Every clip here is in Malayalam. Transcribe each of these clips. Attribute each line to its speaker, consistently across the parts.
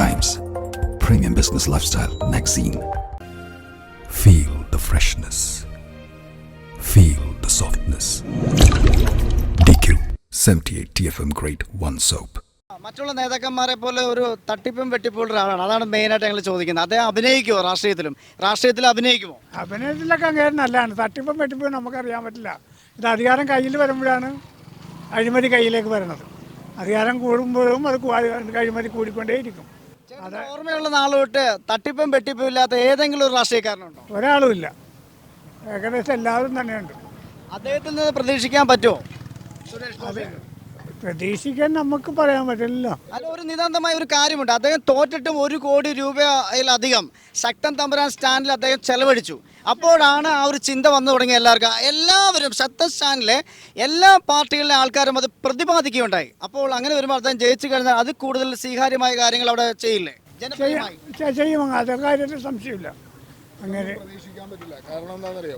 Speaker 1: Times, premium business lifestyle magazine. Feel the freshness. Feel the softness. DQ 78 TFM Grade 1 soap.
Speaker 2: മറ്റുള്ള നേതാക്കന്മാരെ പോലെ ഒരു തട്ടിപ്പും വെട്ടിപ്പുള്ള ഒരാളാണ്. അതാണ് മെയിനായിട്ട് ഞങ്ങൾ ചോദിക്കുന്നത്. അദ്ദേഹം അഭിനയിക്കുമോ? രാഷ്ട്രീയത്തിൽ അഭിനയിക്കുമോ?
Speaker 3: അഭിനയത്തിലൊക്കെ അങ്ങനെ നല്ലതാണ്. തട്ടിപ്പും വെട്ടിപ്പും നമുക്കറിയാൻ പറ്റില്ല. ഇത് അധികാരം കയ്യിൽ വരുമ്പോഴാണ് അഴിമതി കയ്യിലേക്ക് വരുന്നത്. അധികാരം കൂടുമ്പോഴും അത് അഴിമതി കൂടിക്കൊണ്ടേയിരിക്കും.
Speaker 2: അത് ഓർമ്മയുള്ള നാൾ തൊട്ട് തട്ടിപ്പും വെട്ടിപ്പും ഇല്ലാത്ത ഏതെങ്കിലും ഒരു രാഷ്ട്രീയക്കാരനുണ്ടോ?
Speaker 3: ഒരാളുമില്ല. ഏകദേശം എല്ലാവരും തന്നെയുണ്ട്.
Speaker 2: അദ്ദേഹത്തിൽ നിന്ന് പ്രതീക്ഷിക്കാൻ പറ്റുമോ?
Speaker 3: അത് പ്രതീക്ഷിക്കാൻ നമുക്ക് പറയാൻ പറ്റില്ല.
Speaker 2: അല്ല, ഒരു നിതാന്തമായ ഒരു കാര്യമുണ്ട്. അദ്ദേഹം തോറ്റിട്ടും 1 കോടി രൂപയിലധികം ശക്തൻ തമ്പുരാൻ സ്റ്റാൻഡിൽ അദ്ദേഹം ചെലവഴിച്ചു. അപ്പോഴാണ് ആ ഒരു ചിന്ത വന്നു തുടങ്ങിയ എല്ലാവരും ശക്തൻ സ്റ്റാൻഡിലെ എല്ലാ പാർട്ടികളിലെ ആൾക്കാരും അത് പ്രതിപാദിക്കുകയുണ്ടായി. അപ്പോൾ അങ്ങനെ വരുമ്പോൾ അദ്ദേഹം ജയിച്ചു കഴിഞ്ഞാൽ അത് കൂടുതൽ സ്വീകാര്യമായ കാര്യങ്ങൾ അവിടെ ചെയ്യില്ലേ?
Speaker 3: ചെയ്യും. അതെ കാര്യത്തിൽ സംശയമില്ല. അങ്ങനെ
Speaker 4: പ്രതീക്ഷിക്കാൻ പറ്റില്ല. കാരണം എന്താണെന്നറിയോ,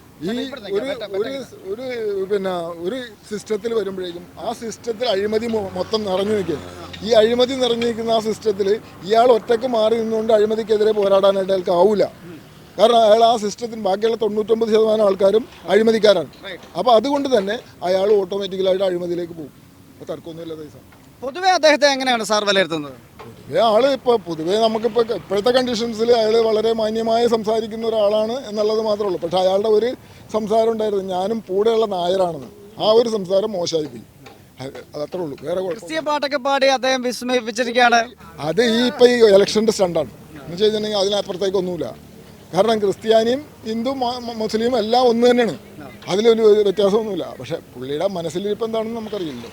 Speaker 4: ഒരു സിസ്റ്റത്തിൽ വരുമ്പോഴേക്കും ആ സിസ്റ്റത്തിൽ അഴിമതി മൊത്തം നിറഞ്ഞു നിൽക്കുകയാണ്. ഈ അഴിമതി നിറഞ്ഞു നിൽക്കുന്ന ആ സിസ്റ്റത്തിൽ ഇയാൾ ഒറ്റയ്ക്ക് മാറി നിന്നുകൊണ്ട് അഴിമതിക്കെതിരെ പോരാടാനായിട്ട് അയാൾക്ക് ആവില്ല. കാരണം അയാൾ ആ സിസ്റ്റത്തിന് ബാക്കിയുള്ള 99% ആൾക്കാരും അഴിമതിക്കാരാണ്. അപ്പോൾ അതുകൊണ്ട് തന്നെ അയാൾ ഓട്ടോമാറ്റിക്കലായിട്ട് അഴിമതിയിലേക്ക് പോകും. അപ്പോൾ തർക്കമൊന്നുമില്ല. പൈസ
Speaker 2: പൊതുവെ അദ്ദേഹത്തെ എങ്ങനെയാണ് സാർ വിലയിരുത്തുന്നത്?
Speaker 4: ആള് പൊതുവേ നമുക്കിപ്പോൾ ഇപ്പോഴത്തെ കണ്ടീഷൻസിൽ അയാൾ വളരെ മാന്യമായി സംസാരിക്കുന്ന ഒരാളാണ് എന്നുള്ളത് മാത്രമേ ഉള്ളൂ. പക്ഷെ അയാളുടെ ഒരു സംസാരം ഉണ്ടായിരുന്നു, ഞാനും കൂടെയുള്ള നായരാണെന്ന്. ആ ഒരു സംസാരം മോശമായി പോയി. അതത്രേ ഉള്ളൂ. വേറെ
Speaker 2: ക്രിസ്തീയ പാട്ടൊക്കെ പാടി അദ്ദേഹം വിസ്മയിപ്പിച്ചിരിക്കുകയാണ്.
Speaker 4: അത് ഇപ്പോൾ ഈ ഇലക്ഷൻ്റെ സ്റ്റണ്ടാണ് എന്ന് വെച്ച് കഴിഞ്ഞിട്ടുണ്ടെങ്കിൽ അതിനപ്പുറത്തേക്കൊന്നുമില്ല. കാരണം ക്രിസ്ത്യാനിയും ഹിന്ദു മുസ്ലിം എല്ലാം ഒന്ന് തന്നെയാണ്. അതിലൊരു വ്യത്യാസമൊന്നുമില്ല. പക്ഷെ പുള്ളിയുടെ മനസ്സിലിരിപ്പം എന്താണെന്ന് നമുക്കറിയില്ലല്ലോ.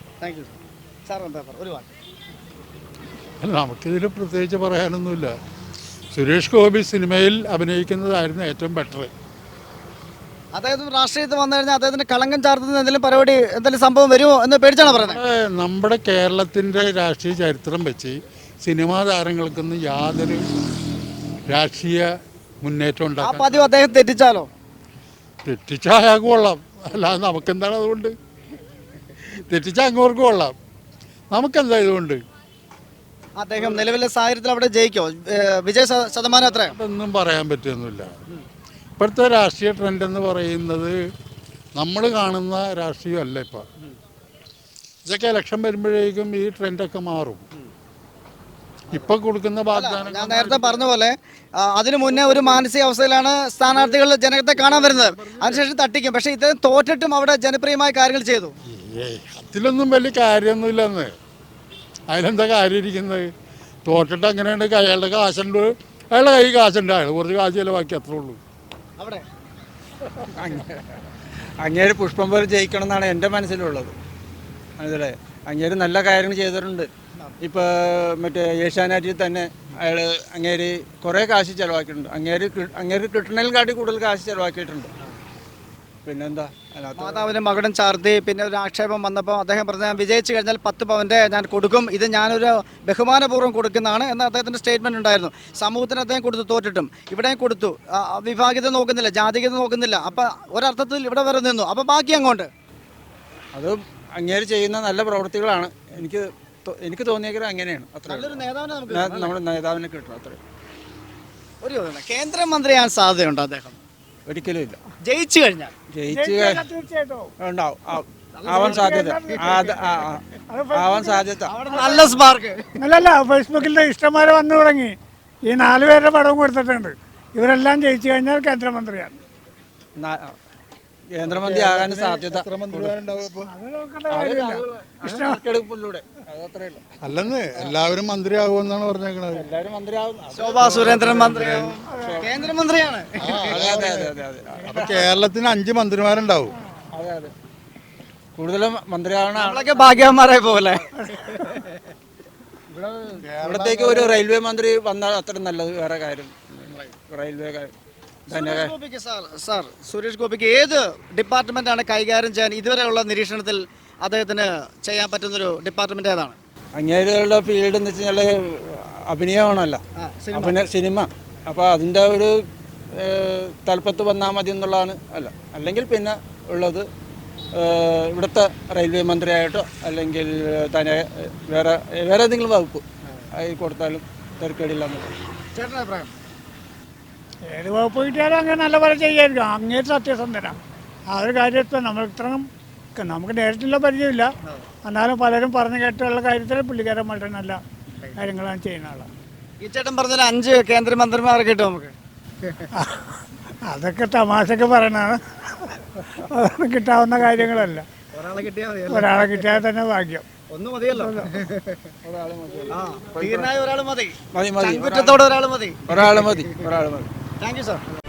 Speaker 5: നമുക്കിതിൽ പ്രത്യേകിച്ച് പറയാനൊന്നുമില്ല. സുരേഷ് ഗോപി സിനിമയിൽ അഭിനയിക്കുന്നതായിരുന്നു ഏറ്റവും ബെറ്റർ.
Speaker 2: അദ്ദേഹം രാഷ്ട്രീയത്തിൽ വന്നു കഴിഞ്ഞാൽ അദ്ദേഹത്തിന് കളങ്കം ചാർത്തുന്ന എന്തെങ്കിലും സംഭവം വരുമോ എന്ന് പേടിച്ചാണ് പറയുന്നത്.
Speaker 5: നമ്മുടെ കേരളത്തിൻ്റെ രാഷ്ട്രീയ ചരിത്രം വെച്ച് സിനിമാ താരങ്ങൾക്കൊന്നും യാതൊരു രാഷ്ട്രീയ മുന്നേറ്റം ഉണ്ടാകും.
Speaker 2: പതിവ് അദ്ദേഹം തെറ്റിച്ചാലോ?
Speaker 5: തെറ്റിച്ചാൽ അയാൾക്ക് കൊള്ളാം. അല്ലാതെ നമുക്കെന്താണ് അതുകൊണ്ട്? തെറ്റിച്ചാൽ അങ്ങോർക്ക് കൊള്ളാം, നമുക്കെന്താ ഇതുകൊണ്ട്?
Speaker 2: അദ്ദേഹം നിലവിലെ സാഹചര്യത്തിൽ അവിടെ ജയിക്കോ? വിജയ ശതമാനം എത്ര?
Speaker 5: അതൊന്നും പറയാൻ പറ്റുന്നില്ല. ഇപ്പോഴത്തെ രാഷ്ട്രീയ ട്രെൻഡ് എന്ന് പറയുന്നത് നമ്മൾ കാണുന്ന രാഷ്ട്രീയമല്ല. ഇപ്പം ഇതൊക്കെ ഇലക്ഷൻ വരുമ്പോഴേക്കും ഈ ട്രെൻഡൊക്കെ മാറും. ഇപ്പൊ കൊടുക്കുന്ന വാഗ്ദാനം
Speaker 2: ഞാൻ നേരത്തെ പറഞ്ഞ പോലെ അതിനു മുന്നേ ഒരു മാനസിക അവസ്ഥയിലാണ് സ്ഥാനാർത്ഥികൾ ജനത്തെ കാണാൻ വരുന്നത്. അതിനുശേഷം തട്ടിക്കും. പക്ഷെ ഇദ്ദേഹം തോറ്റിട്ടും അവിടെ ജനപ്രിയമായ കാര്യങ്ങൾ ചെയ്തു.
Speaker 5: അതിലൊന്നും വലിയ കാര്യമൊന്നുമില്ലെന്ന്. അതിലെന്താ കാര്യം ഇരിക്കുന്നത്? തോറ്റിട്ട് അങ്ങനെയുണ്ട്. അയാളുടെ കാശുണ്ട്, അയാളുടെ കൈ കാശുണ്ട്, അയാൾ കുറച്ച് കാശ് ചിലവാക്കി, അത്രേ ഉള്ളൂ.
Speaker 2: അവിടെ
Speaker 6: അങ്ങേര് പുഷ്പം പോലെ ജയിക്കണം എന്നാണ് എൻ്റെ മനസ്സിലുള്ളത്. അതല്ലേ, അങ്ങേര് നല്ല കാര്യങ്ങൾ ചെയ്തിട്ടുണ്ട്. ഇപ്പോൾ മറ്റേ ഏഷ്യാനെറ്റിൽ തന്നെ അങ്ങേര് കുറേ കാശ് ചിലവാക്കിയിട്ടുണ്ട്. അങ്ങേര് കിട്ടണേൽ കാട്ടി കൂടുതൽ കാശ് ചിലവാക്കിയിട്ടുണ്ട്. പിന്നെന്താ,
Speaker 2: മാതാവിനും മകനും ചാർത്തി പിന്നെ ഒരു ആക്ഷേപം വന്നപ്പോൾ അദ്ദേഹം പറഞ്ഞ വിജയിച്ചു കഴിഞ്ഞാൽ 10 പവൻ്റെ ഞാൻ കൊടുക്കും, ഇത് ഞാനൊരു ബഹുമാനപൂർവ്വം കൊടുക്കുന്നതാണ് എന്ന് അദ്ദേഹത്തിൻ്റെ സ്റ്റേറ്റ്മെൻറ്റ് ഉണ്ടായിരുന്നു. സമൂഹത്തിന് അദ്ദേഹം കൊടുത്തു, തോറ്റിട്ടും ഇവിടെയും കൊടുത്തു. വിഭാഗീയത നോക്കുന്നില്ല, ജാതികത നോക്കുന്നില്ല. അപ്പം ഒരർത്ഥത്തിൽ ഇവിടെ വരെ നിന്നു. അപ്പം ബാക്കി അങ്ങോട്ട്
Speaker 6: അത് അങ്ങേര് ചെയ്യുന്ന നല്ല പ്രവൃത്തികളാണ്. എനിക്ക് തോന്നിയെങ്കിൽ അങ്ങനെയാണ്. നമ്മുടെ നേതാവിനെ കിട്ടണം. അത്രയും.
Speaker 2: ഒരു കേന്ദ്രമന്ത്രിയാൻ സാധ്യതയുണ്ടോ അദ്ദേഹം?
Speaker 6: ഒരിക്കലും ഇല്ല.
Speaker 2: ജയിച്ചു കഴിഞ്ഞാൽ
Speaker 6: ഉണ്ടാവും, ആവാൻ സാധ്യത.
Speaker 2: നല്ല സ്പാർക്ക്.
Speaker 3: അല്ലല്ല, ഫേസ്ബുക്കിൽ ഇഷ്ടംമാരെ വന്നു തുടങ്ങി. ഈ 4 പേരുടെ പടവും കൊടുത്തിട്ടുണ്ട്. ഇവരെല്ലാം ജയിച്ചു കഴിഞ്ഞാൽ കേന്ദ്രമന്ത്രിയാണ്.
Speaker 6: കേന്ദ്രമന്ത്രി ആകാൻ സാധ്യത.
Speaker 5: അല്ലെന്ന് എല്ലാവരും മന്ത്രിയാകുമെന്നാണ് പറഞ്ഞേക്കണത്.
Speaker 6: എല്ലാവരും മന്ത്രിയാവും.
Speaker 2: ശോഭാ സുരേന്ദ്രൻ മന്ത്രിയാവും, കേന്ദ്രമന്ത്രിയാണ്.
Speaker 5: അപ്പൊ കേരളത്തിന് 5 മന്ത്രിമാരുണ്ടാവും.
Speaker 6: അതെ അതെ, കൂടുതലും മന്ത്രിയാവണ
Speaker 2: നമ്മളൊക്കെ ഭാഗ്യവാന്മാരെ പോലെ.
Speaker 6: ഇവിടത്തേക്ക് ഒരു റെയിൽവേ മന്ത്രി വന്നാൽ അത്ര നല്ലത്. വേറെ കാര്യം റെയിൽവേ
Speaker 2: സാർ, സുരേഷ് ഗോപിക്ക് ഏത് ഡിപ്പാർട്ട്മെന്റാണ് കൈകാര്യം ചെയ്യാൻ ഇതുവരെയുള്ള നിരീക്ഷണത്തിൽ അദ്ദേഹത്തിന് ചെയ്യാൻ പറ്റുന്നൊരു ഡിപ്പാർട്ട്മെന്റ് ഏതാണ്?
Speaker 6: അങ്ങേരുടെ ഫീൽഡ് എന്ന് വെച്ച് കഴിഞ്ഞാൽ അഭിനയമാണല്ലോ, സിനിമ. അപ്പോൾ അതിൻ്റെ ഒരു തലപ്പത്ത് വന്നാൽ മതി എന്നുള്ളതാണ്. അല്ലെങ്കിൽ പിന്നെ ഉള്ളത് ഇവിടുത്തെ റെയിൽവേ മന്ത്രിയായിട്ടോ അല്ലെങ്കിൽ തന്നെ വേറെ ഏതെങ്കിലും വകുപ്പ് അതിൽ കൊടുത്താലും തിരക്കേടില്ല എന്നുള്ളത്.
Speaker 2: ചേട്ടൻ്റെ അഭിപ്രായം?
Speaker 3: ഏത് വകുപ്പ് കിട്ടിയാലും അങ്ങനെ നല്ല പോലെ ചെയ്യായിരിക്കും. അങ്ങേറ്റ് സത്യസന്ധനാണ് ആ ഒരു കാര്യത്തിൽ. നമ്മൾ ഇത്രയും നമുക്ക് നേരിട്ടുള്ള പരിചയമില്ല, എന്നാലും പലരും പറഞ്ഞു കേട്ടുള്ള കാര്യത്തിൽ പുള്ളിക്കാരൻ വളരെ നല്ല കാര്യങ്ങളാണ് ചെയ്യുന്ന ആളാണ്.
Speaker 2: ഈ ചേട്ടൻ പറഞ്ഞാൽ 5 കേന്ദ്രമന്ത്രിമാരെ കിട്ടും നമുക്ക്.
Speaker 3: അതൊക്കെ തമാശക്ക് പറയണതാണ്, അതൊന്നും കിട്ടാവുന്ന കാര്യങ്ങളല്ല.
Speaker 2: ഒരാളെ കിട്ടിയാൽ മതി.
Speaker 3: ഒരാളെ കിട്ടിയാൽ തന്നെ ഭാഗ്യം.
Speaker 2: ഒന്ന് മതിയല്ലോ. ആ, ധീരനായ ഒരാൾ മതി.
Speaker 6: മതി മതി
Speaker 2: കുറ്റത്തോടെ ഒരാൾ മതി.
Speaker 6: ഒരാൾ മതി.
Speaker 2: Thank you sir.